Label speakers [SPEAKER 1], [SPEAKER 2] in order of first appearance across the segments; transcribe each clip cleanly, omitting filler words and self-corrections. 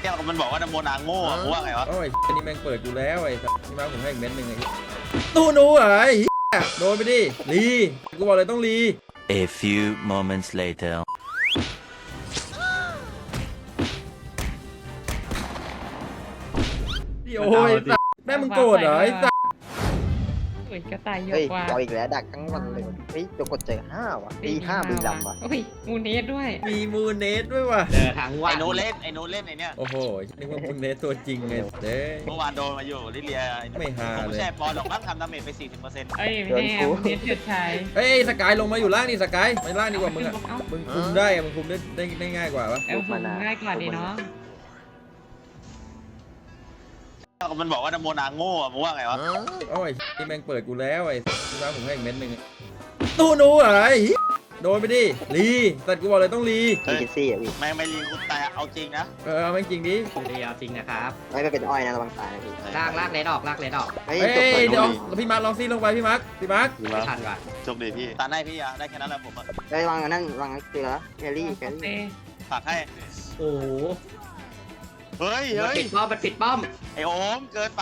[SPEAKER 1] ก้วมันบอกว่าน้ำโมนาโง่อะกูว่าไงวะ
[SPEAKER 2] โอ้ยอันนี้แม่งเปิดกูแล้วไอ้สัสนี่มาผมให้อีกเม็ดหนึ่งไอ้ตู้หนูเหรอไอ้เหี้ยโดนไปดิรีกูบอกเลยต้องรี
[SPEAKER 3] A few moments later.
[SPEAKER 2] พี่โอ้ยสัสแม่มึงโกรธเหรอไอ้สัส
[SPEAKER 4] เฮ้ยกระต่ายเยอะ
[SPEAKER 5] เฮ้ย
[SPEAKER 4] กว่า
[SPEAKER 5] เอาอีกแล้วดักทั้งวันเลยเฮ้ยตัวกดเจอ5ว่ะตี5บุรีรัมย์ว่ะ
[SPEAKER 4] โอ้ยมูเนสด้วย
[SPEAKER 2] มีมูเนสด้วยว่ะ
[SPEAKER 6] เจอทั้งวัน
[SPEAKER 1] ไอ้โน้ตเล่นไอ้โน้ตเล่นไอ้เนี่ย
[SPEAKER 2] โอ้โหนึกว่ามูเนสตัวจริงไงเด้
[SPEAKER 1] เมื่อวานโดนมาอยู่ลิเลีย
[SPEAKER 2] ไม่ฮา
[SPEAKER 1] ผม
[SPEAKER 2] เลย
[SPEAKER 1] แช่บอลหรอกมั้งทำดาเมจไป 40%
[SPEAKER 4] เอ้ยไม่แน่มูเนสเฉิดฉาย
[SPEAKER 2] เฮ้ยสกายลงมาอยู่ล่างนี่สกายไปล่างดีกว่ามึงอ่ะ
[SPEAKER 4] เอ้า
[SPEAKER 2] มึงคุมได้อะมึงคุมได้ง่ายกว่าปะ
[SPEAKER 4] เอลผมง่ายกว่าดีเนาะ
[SPEAKER 1] มันบอกว่าน้ำโมนาโง่อะกูว่าไงวะ
[SPEAKER 2] โอ้ยนี่แม่งเปิดกูแล้วไอ้ที่มาผมให้อีกเม็ดหนึ่งตู้หนูเหรอไอ้โดนไปดิรีแต่กูบอกเลยต้องรี
[SPEAKER 5] มีกินซี่อ่ะพี่
[SPEAKER 1] ไม่รีกูแต่เอาจริงนะ
[SPEAKER 2] เอาแม่งจริงดิ
[SPEAKER 6] เดียวจริงนะครับ
[SPEAKER 5] ไม่เป็นอ้อยนะระวังตายนะพี่
[SPEAKER 6] ลากเลนออกลากเลนออก
[SPEAKER 5] เฮ้ย
[SPEAKER 2] เฮ้ย
[SPEAKER 5] จบเปิด
[SPEAKER 2] เดี๋ยว
[SPEAKER 5] ดู
[SPEAKER 2] แล้วพี่มาร์คลองซีลงไปพี่มาร์ค
[SPEAKER 6] ไม่ทันว่ะ
[SPEAKER 1] โชคดีพี่ตาได้พี่อะได้แค่นั้นแหละผมอะ
[SPEAKER 5] เฮ้ยวางอันนั้นวางเกลือแคลรี่
[SPEAKER 4] โอเค
[SPEAKER 1] ฝากให้
[SPEAKER 6] โอ้โห
[SPEAKER 1] เฮ้ย
[SPEAKER 6] มัน
[SPEAKER 1] เฮ้ย
[SPEAKER 6] ปิดป้อมมันปิดป้อม
[SPEAKER 1] ไอโอมเกินไป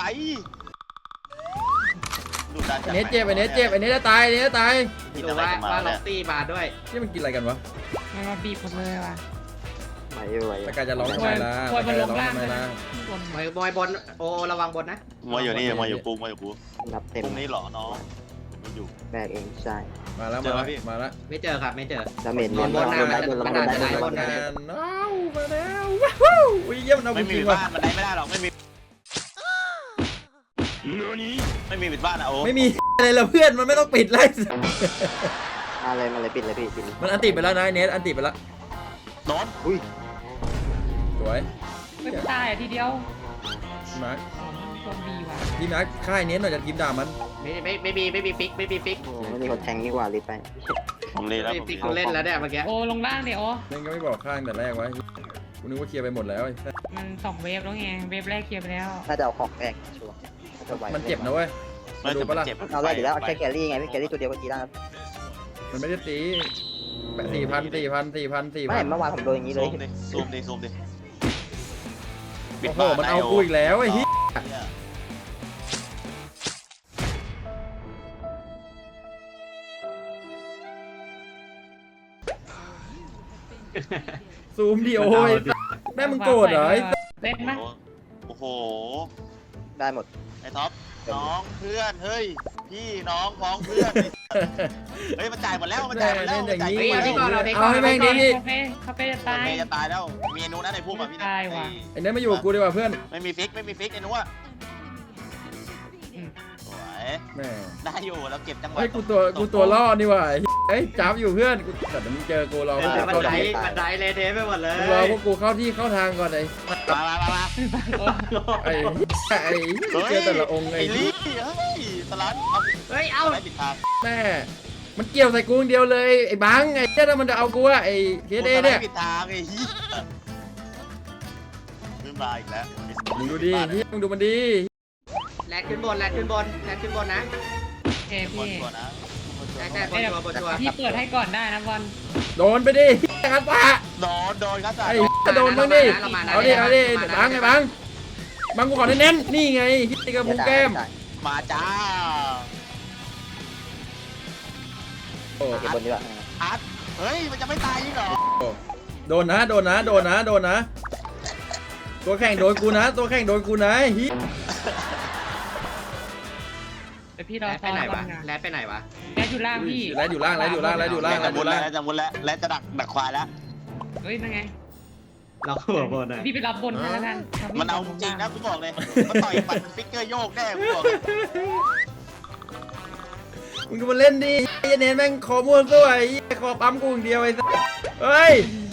[SPEAKER 1] ดูดัน
[SPEAKER 2] ไอ้เนสเจ็บไอ้เนสเจ็บไอ้เนสจะตายไอ้เนสจะตาย
[SPEAKER 6] ดูว่าล็อกตี้มาด้วย
[SPEAKER 2] นี่มันกินอะไรกันวะ
[SPEAKER 4] มันมาบีบหมดเลยว่ะ
[SPEAKER 5] ไหวอยู่ไหวอยู่
[SPEAKER 2] ตะกายจะร้องทำไมล่ะ
[SPEAKER 4] ควร
[SPEAKER 2] ตะ
[SPEAKER 4] มัน
[SPEAKER 2] กาย
[SPEAKER 4] ล
[SPEAKER 2] จะ
[SPEAKER 4] ง
[SPEAKER 2] ร้อง
[SPEAKER 4] ล่าง
[SPEAKER 2] ทำไม
[SPEAKER 4] เลย
[SPEAKER 2] ล่ะ
[SPEAKER 4] นะบน
[SPEAKER 6] มวยบนโอระวังบนนะ
[SPEAKER 1] มาอยู่นี่มาอยู่กูมาอยู่กู
[SPEAKER 5] นับเต็ม
[SPEAKER 1] พรุ่งนี้เหรอน้องมันอยู่
[SPEAKER 5] แบกเองใช่
[SPEAKER 2] มาแล้ว
[SPEAKER 1] เจอไหมพี่
[SPEAKER 2] มาแล้ว
[SPEAKER 6] ไม่เจอครับไม่เจอ
[SPEAKER 5] ดาเมจ
[SPEAKER 6] บนบนนะ
[SPEAKER 5] ได้บน
[SPEAKER 6] มัน
[SPEAKER 5] ได้
[SPEAKER 6] อาจจะได้
[SPEAKER 5] บบ น
[SPEAKER 6] น
[SPEAKER 5] ได้
[SPEAKER 6] นะ
[SPEAKER 2] อ้าวมาแล้วว้าวอุ้ยเยี่ยมเอา
[SPEAKER 1] ไม่
[SPEAKER 2] จ
[SPEAKER 1] มี
[SPEAKER 2] ริ
[SPEAKER 1] ปิ
[SPEAKER 2] ง
[SPEAKER 1] ด
[SPEAKER 2] ว่ะ
[SPEAKER 1] บ้านมันได้ไม่ได้หรอกไม่มีไม่มีปิดบ้านอะโอ้
[SPEAKER 2] ไม่มีอะไรละเพื่อนมันไม่ต้องปิดไล่
[SPEAKER 5] มาเลยปิดเลยพี่ปิด
[SPEAKER 2] มันอันติไปแล้วนะไอ้เนสอันติไปแล้ว
[SPEAKER 1] โน้ต
[SPEAKER 5] อุ้ย
[SPEAKER 2] สวย
[SPEAKER 4] ไม่ตายอ่ะทีเดียว
[SPEAKER 2] พี่มาร์ค
[SPEAKER 4] โดนบีว่ะ
[SPEAKER 2] พี่มาร์คค่ายเนสหน่อยจะทีมด่ามัน
[SPEAKER 6] ไม่มีฟิกไม่มีฟิก
[SPEAKER 5] โอ้ไม่มีคนแทงนี่กว่ารีบไป
[SPEAKER 1] ผมเลยแล้ว
[SPEAKER 6] ไม่
[SPEAKER 1] ผม
[SPEAKER 6] ฟิก
[SPEAKER 1] เลย
[SPEAKER 6] กูเล่นแล้วเนี่ยเมื่อกี้
[SPEAKER 4] โอ้ลงล่างเดี๋ยว
[SPEAKER 2] เล่นก็ไม่บอกข้างแต่แรกไว้กูนึกว่าเคลียร์ไปหมดแล้วไอ้สัส
[SPEAKER 4] มัน2เวฟแล้วไงเวฟแรกเคลียร์ไปแล้ว
[SPEAKER 5] น่าจะเอาของแบกชัวร์น่าจะไหว
[SPEAKER 2] มันเจ็บนะเว้ย
[SPEAKER 1] ไม่
[SPEAKER 2] ดู
[SPEAKER 1] จะ
[SPEAKER 2] ปะล่ะ
[SPEAKER 1] เจ็บ
[SPEAKER 5] เอาได้อยู่แล้วแค่แคลรี่ไงพี่แคลรี่ตัวเดียวก็ตีได้แล้ว
[SPEAKER 2] มันไม่ได้ตี4,000
[SPEAKER 5] ไม่เมื่อวานผมโดนอย่างนี้เลย
[SPEAKER 1] ซูมดิ
[SPEAKER 2] โอ้โหมันเอากูอีกแล้วไอ้เหี้ยซูมดิโอ้ยแม่มึงโกรธเหรอไอ้สัส
[SPEAKER 4] เล่นไหม
[SPEAKER 1] โอ้โห
[SPEAKER 5] ได้หมด
[SPEAKER 1] ไอ้ท็อปน้องเพื่อนเฮ้ยพี่น้องพ้องเพื่อนเฮ้ยมันจ่ายหมดแล้วมันจ่ายหมดแล้วมันจ่าย
[SPEAKER 2] เอาให้แม่งดีพี่
[SPEAKER 4] คาเฟ่จะตาย
[SPEAKER 1] เมย์จะตายแล้วมีไอ้นู้นนะในพุ่มอ่ะพี่
[SPEAKER 4] ตายว่ะ
[SPEAKER 2] ไอ้เนสมาอยู่กับกูดีกว่าเพื่อน
[SPEAKER 1] ไม่มีฟิกไอ้นู้นอ่ะสวย
[SPEAKER 2] แม่
[SPEAKER 1] ได้อยู่แล้วเก็บจังหวะ
[SPEAKER 2] ไอ้กูตัวล่อนี่ว่ะไอ้จับอยู่เพื่อนกูแต่มึงเจอกูรอพวกกู
[SPEAKER 6] มัน
[SPEAKER 2] เข้า
[SPEAKER 6] ได
[SPEAKER 2] ที่
[SPEAKER 6] มันไดเลยเทไปหมดเลย
[SPEAKER 2] รอพวกกูเข้าที่เข้าทางก่อนไอ้
[SPEAKER 1] มา
[SPEAKER 2] ไอ้เจอแต่ละองค์ไอ้
[SPEAKER 1] ไอ้ลี่เฮ้ยสลัด
[SPEAKER 6] เฮ้ยเอา
[SPEAKER 1] ได้ปิดทาง
[SPEAKER 2] แม่มันเกี่ยวใส่กูอย่างเดียวเลยไอ้บังไอ้เจ้ามันจะเอากูอะไอ้เคสเอเนี่ย
[SPEAKER 1] ปิดทางไอ้ฮียขึ้นมาอีกแล้ว
[SPEAKER 2] มึงดูดิเฮียมึงดูมันดี
[SPEAKER 6] แลนขึ้นบนนะ
[SPEAKER 4] โอเคพี่
[SPEAKER 1] ก่อนนะ
[SPEAKER 6] ใช่บนชัว
[SPEAKER 4] พี่เปิดให้ก่อนได้นะบอล
[SPEAKER 2] โดนไปดิเฮียกันปะ
[SPEAKER 1] โดนครับ
[SPEAKER 2] ไอ้โดนมึงดิเอาดิบังไอ้บังกูขอเน้นๆนี่ไงเฮียกระพุ้งแก้ม
[SPEAKER 1] มาจ้า
[SPEAKER 2] โอ้
[SPEAKER 5] เก็บบนดีกว่า
[SPEAKER 1] อัดเฮ้ยมันจะไม่ตายยิ่งเหรอ
[SPEAKER 2] โดนนะตัวแข่งโดนกูนะตัวแข่งโดนกูนะเฮีย
[SPEAKER 4] เดี๋ยวพี่ร
[SPEAKER 6] แล
[SPEAKER 4] อน
[SPEAKER 6] ไปไหน
[SPEAKER 4] ก่อ
[SPEAKER 6] วะ
[SPEAKER 4] นนะ
[SPEAKER 6] แลนไปไหนวะ
[SPEAKER 4] แกอยู่ล่างพี่
[SPEAKER 2] แล้วอยู่ล่าง
[SPEAKER 1] แล้วจะมุดแล้วจะดักควายแล้ว
[SPEAKER 4] เฮ้ยนั่นไง
[SPEAKER 6] เราหัวบนอ่ะ
[SPEAKER 4] พี่ไปรับบนให้แล้วกัน
[SPEAKER 1] มันเอาจริงนะกูบอกเลยมันต่อยปัดฟิกเกอร์โยกแน่กูบอกเลย
[SPEAKER 2] มึงดูมันเล่นดิไอ้เน้นแม่งคอม้วนสู้ไอ้คอปั๊มกูอย่างเดียวไอ้สัสเฮ้ย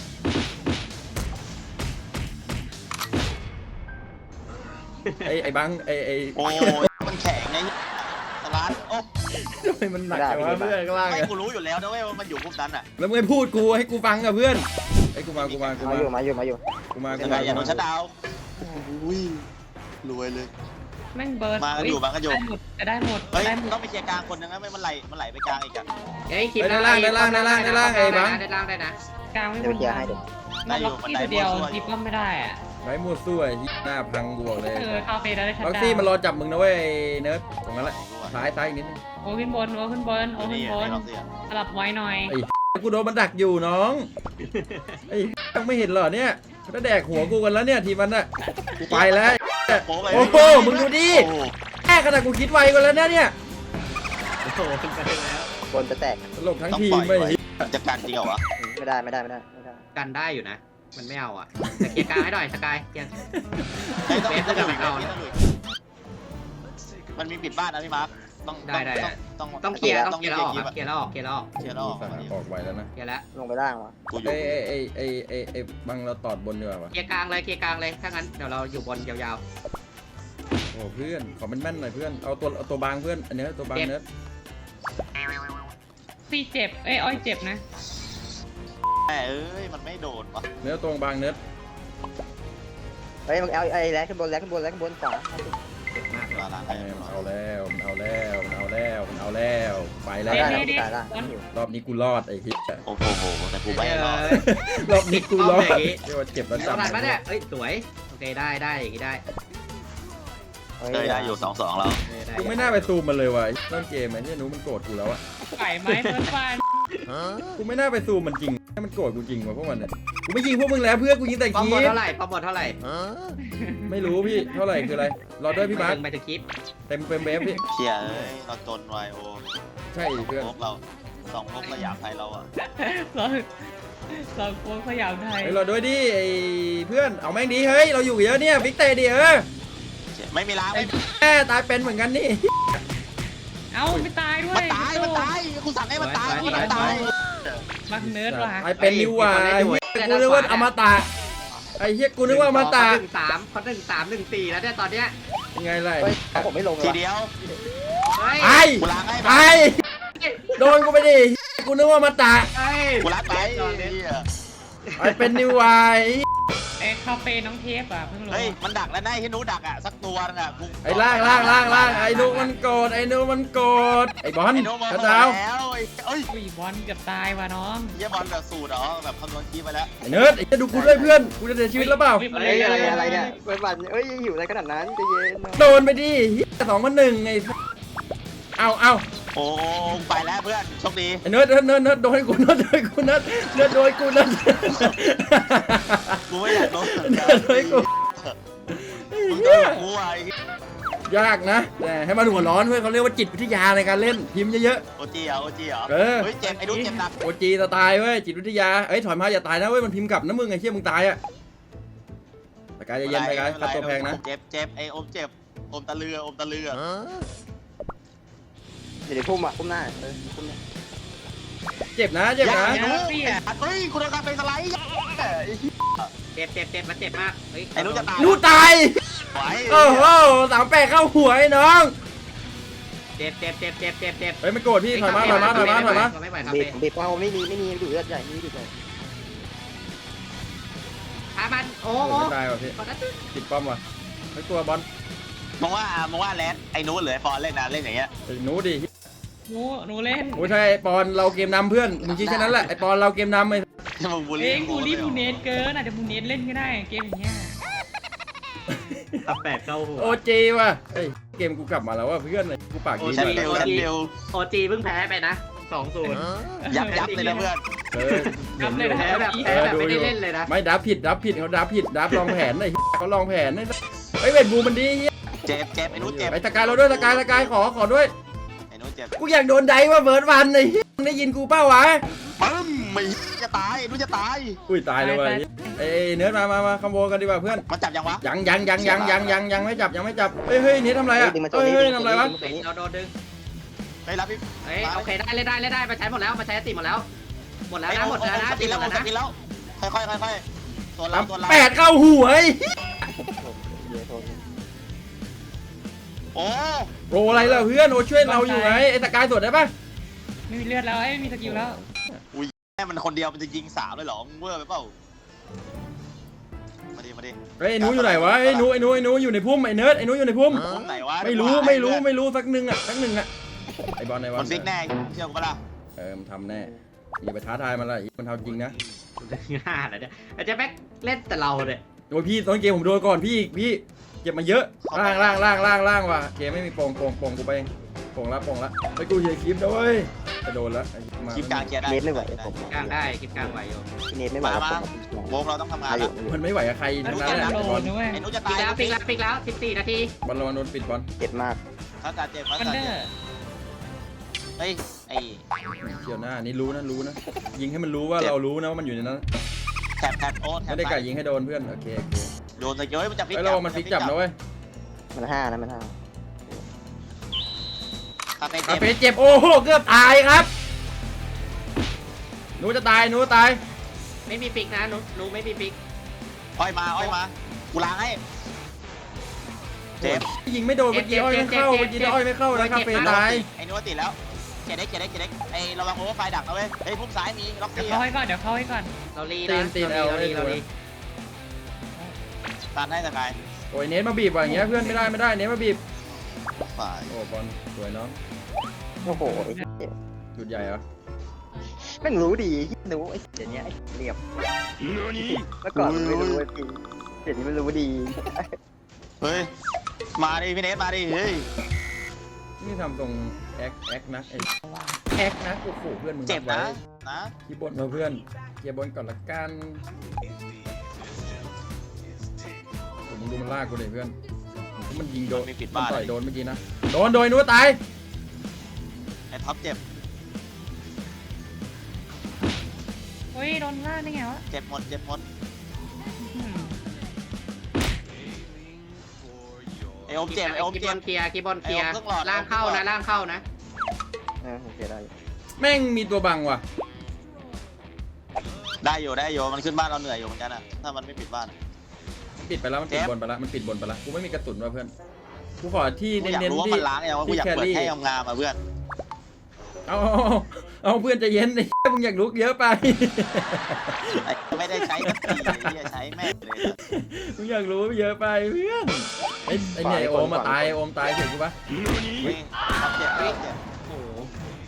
[SPEAKER 2] ไอ้บังไอ้
[SPEAKER 1] โอ้ยมันแข็งไงสลัดโอ้
[SPEAKER 2] ทำไมมันหนักจังวะเพื่อนข้างล่าง
[SPEAKER 1] ไม่
[SPEAKER 2] อะ
[SPEAKER 1] กูรู้อยู่แล้วนะเว้ยว่ามันอยู่พวกนั้นอ่ะ
[SPEAKER 2] แล้วมึงให้พูดกูให้กูฟังกับเพื่อนไอ้กูมา
[SPEAKER 5] มาอยู่
[SPEAKER 1] ยังไงอย่าโดนชัดดาวอุ้ยรวยเลย
[SPEAKER 4] แม่งเบิร์ด
[SPEAKER 1] มากันอยู่
[SPEAKER 4] จะได้หมด
[SPEAKER 1] เฮ้ยต้องไปเคลียร์กลางคนนึงนะไม่มันไหลไปกลางอีกอ่ะ
[SPEAKER 6] เฮ้ยคลิป
[SPEAKER 2] ได้ล่างไอ้บัง
[SPEAKER 6] ได้ล่างได้นะ
[SPEAKER 4] กลางไม่ห
[SPEAKER 5] เดี๋
[SPEAKER 4] ม
[SPEAKER 5] ยว
[SPEAKER 4] ด
[SPEAKER 5] เคลียร์ให้เดี๋ยว
[SPEAKER 4] มันล็อกที่ตัวเดียวทีป้อมไม่ได้อะ
[SPEAKER 2] ไร้มั่วซั่วไอ้หน้าพังกูบอกเลย
[SPEAKER 4] คาเฟ่ได้ชัด
[SPEAKER 2] ล็อก
[SPEAKER 4] ดา
[SPEAKER 2] ซี่
[SPEAKER 4] ว
[SPEAKER 2] มันรอจับมึงนะเว้ยเนิร์ดตรงนั้นแหละซ้ายอีกนิดนึง
[SPEAKER 4] โอ้ขึ้นบนโอ้ขึ้นบนโอ้ขึ้นบนสลับไว้หน่อย
[SPEAKER 2] กูโดนมันดักอยู่น้องไอ้ยังไม่เห็นเหรอเนี่ยเขาแดกหัวกูกันแล้วเนี่ยทีมันน่ะกูไปแล้วโอ้โหมึงดูดิแค่ขนาดกูคิดไวกว่าแล้วเนี่ย
[SPEAKER 6] โอ้โหขึ้นไปแล้ว
[SPEAKER 5] บนจะแตก
[SPEAKER 2] ตลกทั้ง
[SPEAKER 1] ต้อง
[SPEAKER 2] ที
[SPEAKER 1] ป
[SPEAKER 2] ม
[SPEAKER 1] ล่อย
[SPEAKER 2] ไม่
[SPEAKER 1] ไว้จะกันจริงเหรอวะ
[SPEAKER 5] ไม่ได้
[SPEAKER 6] กันได้อยู่นะ มันไม่เอาอ่ะแต่เคลียร์กลางให้หน่อยสกายเคลียร์
[SPEAKER 1] เฮ้ยต้อง
[SPEAKER 6] เบส
[SPEAKER 1] ต้อง
[SPEAKER 6] จะ
[SPEAKER 1] หลุย
[SPEAKER 6] เอา
[SPEAKER 1] มันมีปิดบ้านนะพี่มาร์คต้อง
[SPEAKER 6] ต้องเคลียร์
[SPEAKER 1] ต้อง
[SPEAKER 6] เคลียร์แล้วออกครับเคลียร์แล้วออกเคลียร์แล้วออก
[SPEAKER 1] เคลียร์แล้วออก
[SPEAKER 2] ออกไวแล้วนะ
[SPEAKER 6] เคลียร์แล้ว
[SPEAKER 5] ลงไปล่างวะ
[SPEAKER 1] กูอยู่
[SPEAKER 2] ไอ้บังเราตอดบนดีกว่าวะ
[SPEAKER 6] เคลียร์กลางเลยเคลียร์กลางเลยถ้างั้นเดี๋ยวเราอยู่บนยาว
[SPEAKER 2] โอ้เพื่อนขอแม่นๆหน่อยเพื่อนเอาตัวบางเพื่อนอันนี้ตัวบางเนิร์ด
[SPEAKER 4] ซี่เจ็บอ้อยเจ็บนะ
[SPEAKER 1] แม่เอ้ยมันไม่โดนวะ
[SPEAKER 2] เนื้อตัวบางเนิร์ด
[SPEAKER 5] เฮ้ยมึงเอาไอ้แลกขึ้นบนขวา
[SPEAKER 6] ๆเจ็บมาก
[SPEAKER 1] เวลาล้าง
[SPEAKER 2] มันเอาแล้วไปแล้ว
[SPEAKER 5] ได้นะตายล่าง
[SPEAKER 2] รอบนี้กูรอดไอ้เหี้ย
[SPEAKER 1] โอ้โหแต่กูไม่รอด
[SPEAKER 2] รอบนี้กูรอดเรียกว่าเจ็บแล้ว
[SPEAKER 6] เท่า
[SPEAKER 2] จำ
[SPEAKER 6] ไหร่ปะเนี่ยเอ้ยสวยโอเคได้อย่างงี้ได้
[SPEAKER 1] เลยได้อยู่2-2แล้ว
[SPEAKER 2] กูไม่น่าไปซูมมันเลยว่ะต้นเกมไอ้เนี่ยนู้มันโกรธกูแล้วอะ
[SPEAKER 4] ไก่ไม้เฟิร์สฟัน
[SPEAKER 2] กูไม่น่าไปซูมมันจริงให้มันโกรธกูจริงว่ะพวกมันเนี่ยกูไม่ยิงพวกมึงแล้วเพื่อนกูยิงแต่
[SPEAKER 6] ปอม
[SPEAKER 2] คี
[SPEAKER 6] บอล
[SPEAKER 2] ป
[SPEAKER 6] เท่าไหร่ปอมบอลเท่าไหร่
[SPEAKER 2] ไม่รู้พี่เท่าไหร่คืออะไรรอด้วยพี่มาร์ค
[SPEAKER 6] ไปถึงคลิป
[SPEAKER 2] เต็มเบฟพี่
[SPEAKER 1] เชียเอ้ยเราจนไวโอ
[SPEAKER 2] ใช่เพื่อน
[SPEAKER 1] พวกเราพวกสยามไทยเราอ่ะ
[SPEAKER 4] เราโค้งสยามไทย
[SPEAKER 2] เฮ้ยรอด้วยดิไอ้เพื่อนเอาแม่งดีเฮ้ยเราอยู่เยอะเนี่ยบิ๊กเตดิ
[SPEAKER 1] ไม่มีล้างไม่
[SPEAKER 2] แม่ตายเป็นเหมือนกันนี่
[SPEAKER 4] เอ้าไม่ตายด้วย
[SPEAKER 1] มันตายกูสั่งให้มันตายมันตาย
[SPEAKER 4] บักเนิร์ดว่ะ
[SPEAKER 2] ตายเป็นนิวว่ะไอ้เหี้ยกูนึกว่าอมตะไอ้เหี้ยกูนึกว่าอมตะ
[SPEAKER 6] เขา1-3 1-4แล้วเนี่ยตอนเนี้ย
[SPEAKER 2] ยังไงล่ะ
[SPEAKER 5] เฮ้ยผมไม่ลงเล
[SPEAKER 1] ที
[SPEAKER 5] ย
[SPEAKER 1] เดียว
[SPEAKER 6] เฮ้ย
[SPEAKER 2] ไอ้
[SPEAKER 1] กูล้างให้
[SPEAKER 2] ไอ้โดนกูไปดิกูนึกว่าอมตะ
[SPEAKER 6] เฮ้ย
[SPEAKER 1] กูล้างไป
[SPEAKER 2] ไอ้เป็นนิววาย
[SPEAKER 4] คาเฟ่น้องเทปอ่ะเพิ่งลง
[SPEAKER 1] เฮ้ยมันดักแล้วนายที่นู้ดักอ่ะสักตัวนึงอ่ะ
[SPEAKER 2] ไอ้ล่างไอ้นุมันโกรธไอ้นุมันโกรธไอ้บอล
[SPEAKER 1] ไอ้โนมาก
[SPEAKER 2] ระ
[SPEAKER 1] แล้
[SPEAKER 2] เจ้าว
[SPEAKER 1] เอ้ย
[SPEAKER 4] อุ้ยบอลเกือบตายว่ะน้อง
[SPEAKER 1] เยี่ยบอลแบบสูตรเหรอแบบคำนวณคีไปแล้ว
[SPEAKER 2] ไอ้เนิร์ดไอ้จะดูกูด้วยเพื่อนกูจะเสียชีวิตแล้วเปล่า
[SPEAKER 5] เฮ้ยอะไรเนี่ยเปิดบัตรเอ้ยหิวอะไรขนาดนั้นใจเย็น
[SPEAKER 2] โดนไปดิ2-1ไอ้เอา
[SPEAKER 1] โอ้ไปแล้วเพื่อนโชคดี
[SPEAKER 2] ไอ้เนิร์ดโดนกูเนิร์ดโดนกูเนิร์ดโดนกูเนิร์ด
[SPEAKER 1] กูไม่อยากโดน
[SPEAKER 2] เนิร์ดโดนกู
[SPEAKER 1] มึงโดนกูไอ้
[SPEAKER 2] ยากนะแต่ให้มันหัวร้อนเพื่อนเขาเรียกว่าจิตวิทยาในการเล่นพิมพ์เยอะ
[SPEAKER 1] โอจีเหรอเฮ้ยเจ็บไอ้ดูเจ็บหนัก
[SPEAKER 2] ๆโอจีสไตล์เว้ยจิตวิทยาเอ้ยถอยมาอย่าตายนะเว้ยมันพิมพ์กลับนะมึงไอ้เชี่ยมึงตายอะตะกายเย็นๆตะกายค่าตัวแพงนะ
[SPEAKER 1] เจ็บไอ้อมเจ็บอมตะเลือ
[SPEAKER 5] เดี๋ยวพุ่มพุ่มหน้าพุ่มเนี่ย
[SPEAKER 2] เจ็บนะ
[SPEAKER 1] ไอ้นู้เฮ้ยคุณโดนการเป็นสไลด์
[SPEAKER 6] เจ็บมันเจ็บมากเฮ้ย
[SPEAKER 1] ไอ้นู้จะตาย
[SPEAKER 2] นูตาย
[SPEAKER 1] ไหว
[SPEAKER 2] โอ้โห38เข้าหัวไอ้น้อง
[SPEAKER 6] เจ็บ
[SPEAKER 2] เฮ้ยไม่โกรธพี่ถอยมา
[SPEAKER 6] ไม่ไหวครับ
[SPEAKER 5] บีบเอาไม่มีดูเลือดใหญ่ไม่ดูใหญ่
[SPEAKER 6] หามันโอ้
[SPEAKER 2] ไม่ตายว่ะพี่ติดป้อมว่ะไม่กลัวบอล
[SPEAKER 1] มองว่าแรดไอ้นู้หรือไอ้ฟอนเล่นนะเล่นอย่างเงี้ย
[SPEAKER 2] ไอ้หนูดิ
[SPEAKER 4] หนูเล่น
[SPEAKER 2] โอ้ใช่ไอ้ปอนเราเกมนำเพื่อนมึงคิดแค่นั้นแหละไอ้ปอนเราเกมนำไอ้
[SPEAKER 1] มึงบูล
[SPEAKER 4] เอ้
[SPEAKER 1] ลี่
[SPEAKER 4] ยบูลลี่บูเนสเกินอาจจะบูเนสเล่นก็ได้เกมอย่างเงี้ย
[SPEAKER 6] 8เข้าหัว
[SPEAKER 2] โอจีว่ะเอ้ยเกมกูกลับมาแล้วว่ะเพื่อนกูปากดี
[SPEAKER 1] แชมเปี้ยน
[SPEAKER 6] โอจีเพิ่งแพ้ไปนะ 2-0
[SPEAKER 1] ยับเลยนะเพื่อน
[SPEAKER 4] ทำเลยนะ
[SPEAKER 6] แพ้แบบไม่ได้เล่นเลยนะ
[SPEAKER 2] ไม่ดับผิดเขาดับผิดดับลองแผนไอ้เขาลองแผนไอ้เวทบูมันดี
[SPEAKER 1] เจ็บไอ้นู้เจ็บ
[SPEAKER 2] ไอ้ตะกายเราด้วยตะกายขอด้วย
[SPEAKER 1] ไอ้นู้เจ็บ
[SPEAKER 2] กูอยากโดนไดว่าเบิร์ดวันไอ้ได้ยินกูเป้าวะ
[SPEAKER 1] ปึ้มไม่จะตายไอ้นู้จะตาย
[SPEAKER 2] อุ้ยตายเลยว่ะเอ้เนื้อมาคอมโบกันดีกว่าเพื่อน
[SPEAKER 1] มันจับยังวะ
[SPEAKER 2] ยังไม่จับเฮ้ยนี่ทำไรอ่ะเฮ้ยทำไรวะ
[SPEAKER 6] เราโดนดึง
[SPEAKER 1] ไปรับพี่
[SPEAKER 6] เฮ้ยโอเคได้มาใช้หมดแล้วมาใช้ติหมดแล้วนะหมดแล้วนะ
[SPEAKER 1] กินแล้วกินแล้วค่อยตัวเรา
[SPEAKER 2] 8เข้าหัว
[SPEAKER 1] โอ้
[SPEAKER 2] โรอะไรล่ะเพื่อนโอช่วยเราอยู่ไงไอ้ตะกายสดได้ปะ
[SPEAKER 4] ไม่มีเลือดแล้วไม่มีสกิลแล้ว
[SPEAKER 1] แม่มันคนเดียวมันจะยิง3เลยเหรอมึงเวอร์ไปเปล่ามาดิ
[SPEAKER 2] เฮ้ยไอ้หนูอยู่ไหนวะไอ้หนูอยู่ในพุ่มไอ้เนิร์ดไอ้หนูอยู่ในพุ่ม
[SPEAKER 1] ผมไหนวะ
[SPEAKER 2] ไม่รู้สักหนึ่งอ่ะไอ้บอล
[SPEAKER 1] มันฟิกแน่เชื่อกูปะล่ะ
[SPEAKER 2] มันทำแน่อย่าไปท้าทายมันละมันทำจริงนะ
[SPEAKER 6] ง่าเหรอเนี่ยอาจจะแม็กเล่นแต่เราเนี่ย
[SPEAKER 2] โอ้ยพี่ต้นเกมผมโดนก่อนพี่เก็บมาเยอะล่างว่ะเกมไม่มีโป่งกูไปโป่งละไปกูเฮียคลิปนะเว้ยจะโดนละ
[SPEAKER 1] คลิปกลางเคลียร์ได้
[SPEAKER 5] เนทไม่ไหวผม
[SPEAKER 6] กลางได้คลิปกลางไหวอยู่
[SPEAKER 5] พี่เนทไม่ไหวผม
[SPEAKER 1] วงเราต้องทำงานแล้ว
[SPEAKER 2] มันไม่ไหวกับใคร
[SPEAKER 4] มั
[SPEAKER 2] ทั้
[SPEAKER 4] น
[SPEAKER 2] ง
[SPEAKER 4] จะ
[SPEAKER 2] นั้นแหละ
[SPEAKER 4] โด
[SPEAKER 2] บอล
[SPEAKER 4] นนะเว้ย
[SPEAKER 1] ไอ้นุจะ
[SPEAKER 6] ปิ
[SPEAKER 1] ตาย
[SPEAKER 6] กแล้ว14 นาที
[SPEAKER 2] บอลระวังโดนปิดบอล
[SPEAKER 5] เจ็บมาก
[SPEAKER 1] เขาจะเจ็บเขา
[SPEAKER 4] วัน
[SPEAKER 1] จะ
[SPEAKER 4] เดอ
[SPEAKER 1] เจ็บ
[SPEAKER 4] ร์
[SPEAKER 1] เฮ้ยไอ้
[SPEAKER 2] เกี่ยวหน้านี่รู้นะยิงให้มันรู้ว่าเรารู้นะว่ามันอยู่ในนั้น
[SPEAKER 1] แทบโอ้แท
[SPEAKER 2] ไม่
[SPEAKER 1] บ
[SPEAKER 2] ได้กะยิงให้โดนเพื่อนโอเค
[SPEAKER 1] โดนตะเกียบมันจะพลิก
[SPEAKER 2] ไอ้เรามันฟิกจับนะเว้ย
[SPEAKER 5] มัน5นะมัน5
[SPEAKER 1] คาเฟ่
[SPEAKER 2] คา
[SPEAKER 1] เจ็บ
[SPEAKER 2] เฟ่เจ็บโอ้โหเกือบตายครับหนูจะตาย
[SPEAKER 6] ไม่มีปิกนะหนูไม่มีปิก
[SPEAKER 1] อ้อยมากูล้างให้เจ็บ
[SPEAKER 2] ยิงไม่โดนเมื่อกี้อ้อยไม่เข้านะคาเฟ่ตาย
[SPEAKER 1] ไอ้นุติดแล้วเจ็ดเด็กไอ้ระวังโอเวอร์ไฟดักนะเว้ยเฮ้ยพุ่มซ้ายมีล็อก
[SPEAKER 4] เดี๋ยว
[SPEAKER 1] ซี่
[SPEAKER 4] เข้าให้ก่อนเดี๋ยวเข้าให้ก่อน
[SPEAKER 6] เราลีนะเราลี
[SPEAKER 1] ตันให้สกาย
[SPEAKER 2] โอ้ยเนทมาบีบว่ะอย่างเงี้ยเพื่อนไม่ได้เนทมาบีบ
[SPEAKER 1] ฝ่าย
[SPEAKER 2] โอ้บอลสวยน้อง
[SPEAKER 5] โอ้โห
[SPEAKER 2] จุดใหญ่เหรอ
[SPEAKER 5] แม่งรู้ดีรู้ไอ้เดี๋ยวนี้ไอ้เรียบเมื่อก่อนมันไม่รู้ไอ้พี่เดี๋ยวนี้มันรู้ดี
[SPEAKER 1] เฮ้ยมาดิพี่เนทมาดิเฮ้ย
[SPEAKER 2] นี่ทำตรงแอคนะแอคนะโอ้โหเพื่อนมึง
[SPEAKER 1] เจ็บนะ
[SPEAKER 2] คีย์บอร์ดมาเพื่อนเคลียร์บอลก่อนละกันมึงดูมันลากกูเลยเพื่อนมันยิงโดนมันต่อยโดนเมื่อกี้นะโดนนู้ตาย
[SPEAKER 1] ไอ้ท็อปเจ็บ
[SPEAKER 4] เฮ้ยโดนล่าได้ไงวะ
[SPEAKER 1] เจ็บหมด
[SPEAKER 4] อืม
[SPEAKER 1] ไอ้โอมเจ็บไอ้โอม
[SPEAKER 6] คี
[SPEAKER 1] เจ็
[SPEAKER 6] บบ อลเคลียร์ล่างเข้านะ
[SPEAKER 5] โอเคได้
[SPEAKER 2] แม่งมีตัวบังว่ะ
[SPEAKER 1] ได้อยู่มันขึ้นบ้านเราเหนื่อยอยู่เหมือนกันอะถ้ามันไม่ปิดบ้าน
[SPEAKER 2] ปิดไปแล้วมันปิดบนไปแล้วมันปิดบนไปแล้วกูไม่มีกระสุนว่ะเพื่อนกูขอที่
[SPEAKER 1] กูอยาก
[SPEAKER 2] เน้น
[SPEAKER 1] รู้
[SPEAKER 2] ๆ
[SPEAKER 1] ว่า
[SPEAKER 2] ที่
[SPEAKER 1] มันล้างยังว่ากูอยากเปิดให้งามๆมาเพื่อน
[SPEAKER 2] เอาเพื่อนใจเย็นไอ้มึงอยากลุกเยอะไป
[SPEAKER 1] ไม่ได้ใช้กันตีที่จะใช้แม่เลย
[SPEAKER 2] มึงอยากรู้เยอะไปเพื่อนไอ้เนี่ยโอมมาตายโอมตายเห็นกูปะ
[SPEAKER 1] ท็อปเจ็บ
[SPEAKER 6] โอ้โห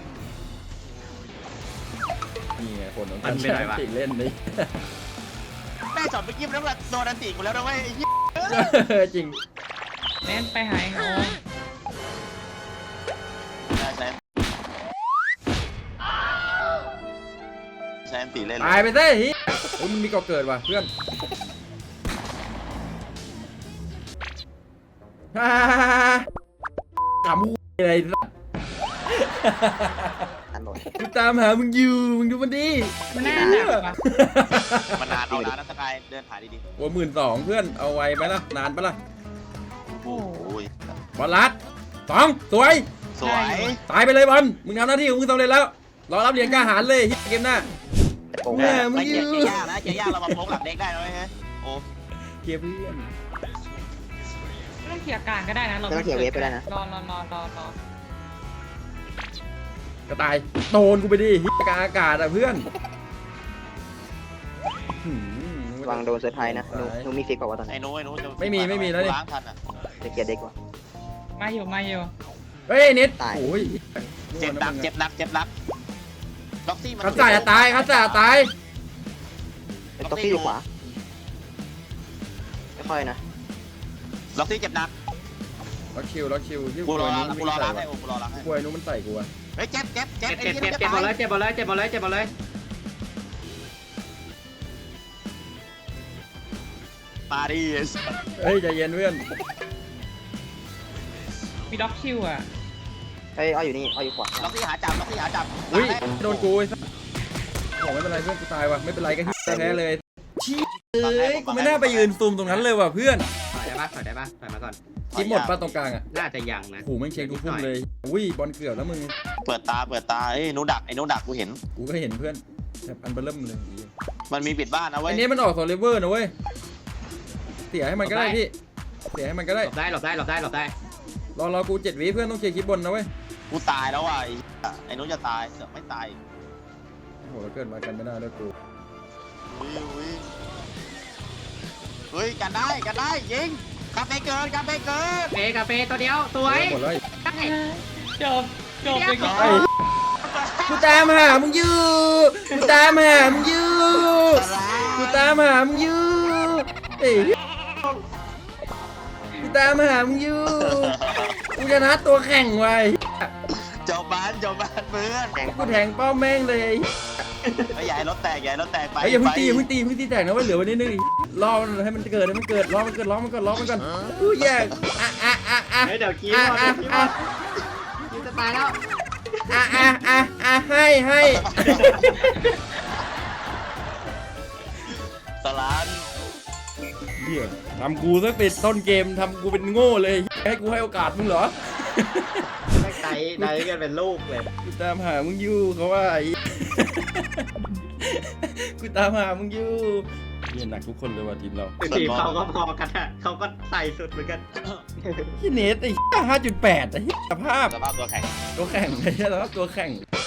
[SPEAKER 2] นี่ไงคนของการใช้ติเล่นนี่
[SPEAKER 1] แม่จอดไปยิ้มแล้วแบบโดนอันตีกูแล้วนะเว้ยไอ้ยิ้ม
[SPEAKER 2] จริง
[SPEAKER 4] เน้นไปหายโอม
[SPEAKER 1] ใช้อันตีเล่น
[SPEAKER 2] ตายไปซะเฮ้ยมันมีก่อเกิดว่ะเพื่อนถามอะไร
[SPEAKER 5] อันหมด
[SPEAKER 2] กูตามหามึงอยู่มึงดูมันดิ
[SPEAKER 4] มันน่าหนักว่ะ
[SPEAKER 1] มันนานเอานานนะสกายเดินถ่ายดี
[SPEAKER 2] โอ้12,000เพื่อนเอาไว้ไหมล่ะนานปะล่ะ
[SPEAKER 1] ๆโอ้ย
[SPEAKER 2] บอลลัด2สวย
[SPEAKER 1] สวย
[SPEAKER 2] ตายไปเลยบอลมึงทำหน้าที่ของมึงสำเร็จแล้วรอรับเหรียญกล้าหาญเลยเกมหน้า
[SPEAKER 5] โอ้โห
[SPEAKER 2] แม่มึ
[SPEAKER 1] ไม่
[SPEAKER 2] ง
[SPEAKER 1] เกี
[SPEAKER 2] ยื
[SPEAKER 1] ยร์ยากนะเกียร์ยากเรามาโป๊กหลังเด็กได้นะเว้ยโอ้
[SPEAKER 2] เกียร์เพื่อน
[SPEAKER 4] ไม่ต้องเขี่ยร์กลางก็ได้นะเรา
[SPEAKER 5] ไม่ต้องเขียนเวฟไปได้นะ
[SPEAKER 4] รอ
[SPEAKER 2] กระต่ายโดนกูไปดิกลางอากาศอ่ะเพื่อน
[SPEAKER 5] วางโดนเซอร์ไพรส์นะนูมีฟิกกว่าตอน
[SPEAKER 1] ไอ้
[SPEAKER 5] นี้
[SPEAKER 1] นู้จะ
[SPEAKER 2] ไม่มีแล้วนี่
[SPEAKER 1] ล้างทันอ่ะ
[SPEAKER 5] จะเกียร์เด็กกว่า
[SPEAKER 4] มาอยู่
[SPEAKER 2] เฮ้ยเน็ต
[SPEAKER 5] ตาย
[SPEAKER 2] โอ้ย
[SPEAKER 1] เจ็บหนักล็อกซี่มัน
[SPEAKER 2] คัสซ่าจะตายคัสซ่าตาย
[SPEAKER 5] เป็นตัวที่อยู่ขวาไม่ค่อยนะ
[SPEAKER 1] ล็อกซี่เจ็บหนัก
[SPEAKER 2] ล็อกชิวที่
[SPEAKER 1] กูรอ
[SPEAKER 2] นู้
[SPEAKER 1] ล้าง
[SPEAKER 2] น
[SPEAKER 1] กูรอล้างให้โอ้กูรอล้างให้
[SPEAKER 2] กล้วยนู้นมันใส่กูอะ
[SPEAKER 1] เฮ้ยเจ็บ
[SPEAKER 6] เจ็บหมดเลย
[SPEAKER 1] มาดิ
[SPEAKER 2] เฮ้ยใจเย็นเพื่อน
[SPEAKER 4] มีด็อกคิวอ่ะ
[SPEAKER 5] เฮ้ยอ้อยอยู่นี่อ้อยอยู่ขวา
[SPEAKER 1] ล็อกซี่หาจับ
[SPEAKER 2] อุ้ยโดนกูไอ้สัสบอกไม่เป็นไรเพื่อนกูตายว่ะไม่เป็นไรก็แพ้เลยชี้เอ้ยกูไม่น่าไปยืนซูมตรงนั้นเลยว่ะเพื่อน
[SPEAKER 6] ถอยได้ปะถอยมาก่อน
[SPEAKER 2] คิดหมดป่ะตรงกลางอ่ะ
[SPEAKER 6] น่าจะยังนะ
[SPEAKER 2] โอ้โหแม่งเช็คทุกพุ่มเลยอุ้ยบอลเกือบแล้วมึง
[SPEAKER 1] เปิดตาเอ้ยนูดักไอ้นูดักกูเห็น
[SPEAKER 2] กูก็เห็นเพื่อนแบบอันเบลเริ่มเลย
[SPEAKER 1] มันมีปิดบ้านนะเว้
[SPEAKER 2] ไอ้
[SPEAKER 1] ย
[SPEAKER 2] นี้มันออกโซลิเวอร์นะเว้ยเสียให้มันก็ได้พี่เสียให้มันก็ได้
[SPEAKER 6] หลบได้
[SPEAKER 2] รอกู7 วิเพื่อนต้องเคลียร์คลิปบนนะเว้ย
[SPEAKER 1] กูตายแล้วว่ะไอ้นูจะตายเสือกไม่ตาย
[SPEAKER 2] โอ้โหเราเกิดมากันไม่ได้เลยกู
[SPEAKER 1] เฮ้ยกันได้ยิงกาเฟ่เกิน
[SPEAKER 6] กาเฟ่ตัวเดียวสวย
[SPEAKER 2] หมดแล้ว
[SPEAKER 4] จบไปก่อน
[SPEAKER 2] ไอ้กูตามหามึงอยู่กูตามหามึงอยู่กูตามหามึงอยู่เอ้ยกูตามหามึงอยู่กูชนะตัวแข่งไว้
[SPEAKER 1] เจ้าบ้านเพื่อน
[SPEAKER 2] กูแทงเป้าแม่งเลย
[SPEAKER 1] ไอ้ใหญ่รถแตกใหญ่รถแตกไป
[SPEAKER 2] ไอ้อย่าเพิ่งตีอย่าเพิ่งตีอย่าเพิ่งตีแตกนะไว้เหลือไว้นิดนึงรอมันให้มันเกิดให้มันเกิดรอมันเกิดรอมันก่อนรอมันก่อนกูแยกอ่ะ
[SPEAKER 6] เดี๋ยวคิว
[SPEAKER 2] อ่ะ
[SPEAKER 6] คิวจะตายแล้ว
[SPEAKER 2] ให้
[SPEAKER 1] สลาน
[SPEAKER 2] เหี้ยทำกูซะเป็นต้นเกมทำกูเป็นโง่เลยให้กูให้โอกาสมึงเหรอ
[SPEAKER 6] ไม่ไตกันเป็นลูกเลย
[SPEAKER 2] กูตามหามึงอยู่เขาว่าไอ้ กูตามหามึงอยู่เหี้ยหนักทุกคนเลยว่ะทีมเรา
[SPEAKER 6] ทีมเขาก็พอกันอะเขาก็ใส่สุดเหมือนกัน
[SPEAKER 2] ที่เนสไอ้5.8ไอ้สภาพ
[SPEAKER 1] สภาพตัวแข็ง
[SPEAKER 2] ตัวแข่งไอ้เหี้ยแล้วตัวแข่ง